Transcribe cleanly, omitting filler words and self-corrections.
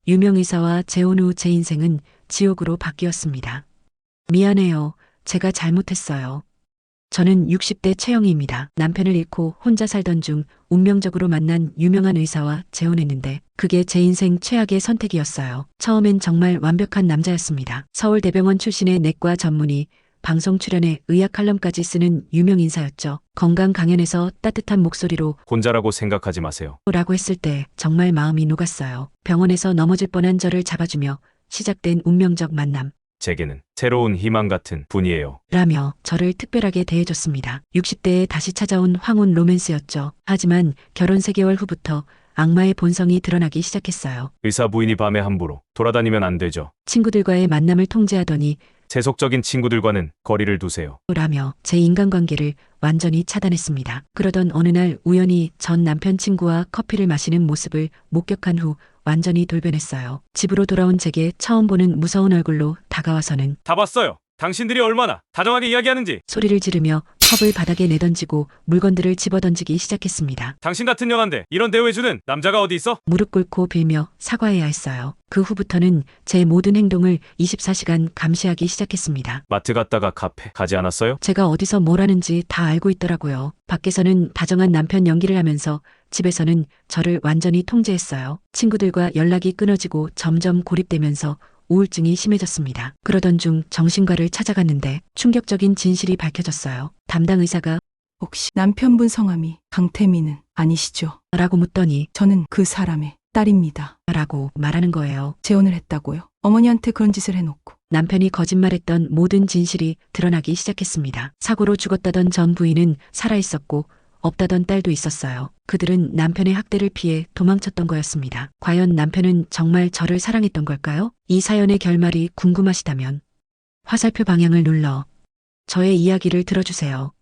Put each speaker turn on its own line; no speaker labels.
유명의사와 재혼 후 제 인생은 지옥으로 바뀌었습니다. 미안해요. 제가 잘못했어요. 저는 60대 최영희입니다. 남편을 잃고 혼자 살던 중 운명적으로 만난 유명한 의사와 재혼했는데 그게 제 인생 최악의 선택이었어요. 처음엔 정말 완벽한 남자였습니다. 서울대병원 출신의 내과 전문의, 방송 출연에 의학 칼럼까지 쓰는 유명 인사였죠. 건강 강연에서 따뜻한 목소리로
혼자라고 생각하지 마세요.
라고 했을 때 정말 마음이 녹았어요. 병원에서 넘어질 뻔한 저를 잡아주며 시작된 운명적 만남.
제게는 새로운 희망 같은 분이에요.
라며 저를 특별하게 대해줬습니다. 60대에 다시 찾아온 황혼 로맨스였죠. 하지만 결혼 3개월 후부터 악마의 본성이 드러나기 시작했어요.
의사 부인이 밤에 함부로 돌아다니면 안 되죠.
친구들과의 만남을 통제하더니
세속적인 친구들과는 거리를 두세요.
라며 제 인간관계를 완전히 차단했습니다. 그러던 어느 날 우연히 전 남편 친구와 커피를 마시는 모습을 목격한 후 완전히 돌변했어요. 집으로 돌아온 제게 처음 보는 무서운 얼굴로 다가와서는
다 봤어요. 당신들이 얼마나 다정하게 이야기하는지.
소리를 지르며 컵을 바닥에 내던지고 물건들을 집어던지기 시작했습니다.
당신 같은 여간데 이런 대우해주는 남자가 어디 있어?
무릎 꿇고 빌며 사과해야 했어요. 그 후부터는 제 모든 행동을 24시간 감시하기 시작했습니다.
마트 갔다가 카페 가지 않았어요?
제가 어디서 뭘 하는지 다 알고 있더라고요. 밖에서는 다정한 남편 연기를 하면서 집에서는 저를 완전히 통제했어요. 친구들과 연락이 끊어지고 점점 고립되면서 우울증이 심해졌습니다. 그러던 중 정신과를 찾아갔는데 충격적인 진실이 밝혀졌어요. 담당 의사가
혹시 남편분 성함이 강태민은 아니시죠?
라고 묻더니
저는 그 사람의 딸입니다.
라고 말하는 거예요.
재혼을 했다고요? 어머니한테 그런 짓을 해놓고.
남편이 거짓말했던 모든 진실이 드러나기 시작했습니다. 사고로 죽었다던 전 부인은 살아있었고 없다던 딸도 있었어요. 그들은 남편의 학대를 피해 도망쳤던 거였습니다. 과연 남편은 정말 저를 사랑했던 걸까요? 이 사연의 결말이 궁금하시다면 화살표 방향을 눌러 저의 이야기를 들어주세요.